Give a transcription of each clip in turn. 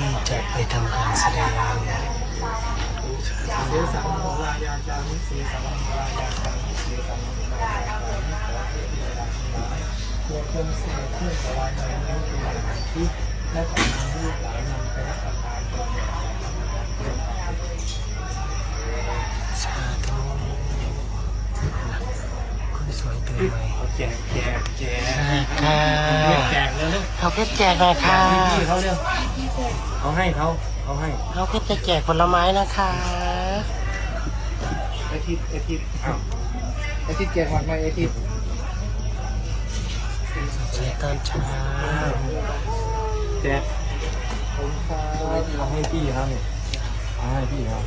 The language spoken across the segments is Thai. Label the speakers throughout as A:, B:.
A: ที่จะไปทำการแสดง
B: เสสังโฆรายาจามิเสสังโฆรายาจามิเสสังโฆรายาจามิขอให้เวลาทั้งหลายตัวคงเสด็จขึ้นถวายในนี้เป็นอาหารที่และขอนำลูกหลานนำไปรับประทานโดย
A: สาธุคุณสวยตื่นไหม
B: แจก
A: ค่ะ
B: แจกเลยลูก
A: เขาก็แจกหน่อยค่ะ
B: พี่เขาเร็วเขาให้เขาให้
A: เราก็จะแจกผลไม้นะคะ
B: ไอทิศอ้าวไอทิศแจกหมดไหมไอทิศ
A: แจกตอนเช้า
B: แจกผมเอาให้พี่เขาเนี่ยเอาให้พี่เขา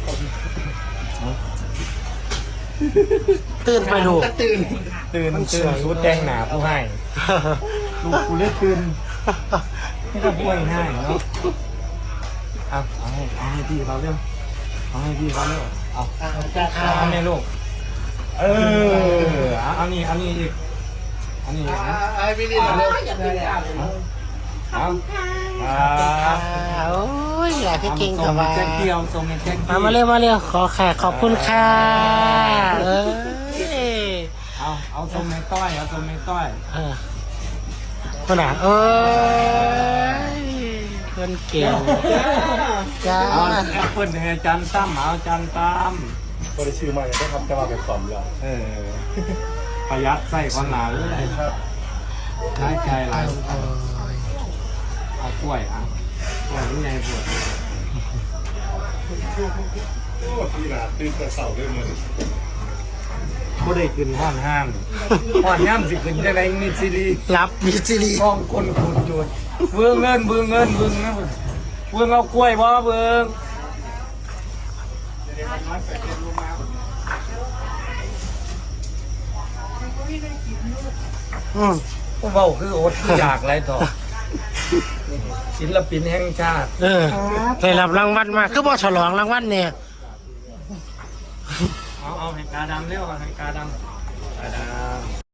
A: ตื่นไปดู
B: ตื่นสุดแดงหนาผู้ให้ลูกกูเลือกตื่นไม่ต้องป่วยง่ายเนาะเอาให้พี่เขาเร็วเอาให้พี่เขาเร็วเอาให้ลูกเอานี่อีกอันนี้ไอ้พี่นี่เร็ว
A: โอ้ยอยากให้เก่งกับว่า
B: แจ็คเดียวส่งแจ็ค
A: มาเร็วขอแขกขอบคุณค่ะ
B: เอาส่งในต้อยเอาส่งในต้อย
A: คนอ่ะคนเก่งจ้า
B: เอาเปิ้ลให้จันตั้มเอาจันตั้ม
C: ก็ได้ชื่อมาเลยได้ทำจะมาเป็นสอมแล้ว
B: ประหยัดใส่คนหนาเลยครับใช้ใจหลายเอากล้วยกล้วยนี่ไงปวด
C: พี่หนาตื่นแต่เสาด้วยมือ
B: ก็ได้ขึ้นห้อนห้ามสิขึ้นได้ไรมิซิลี
A: รับมิจิลี
B: กองคนขุดจุดเบื้องเงินนะเบื้องเอากล้วยบ่เบื้องผู้เบาคืออดคืออยากไรต่อศิลปินแห่งชาติ
A: ได้รับรางวัลมาคือบ่ฉลองรางวัลเนี่ย
B: เอาแห่งกาดำเร็วแห่งกาดำ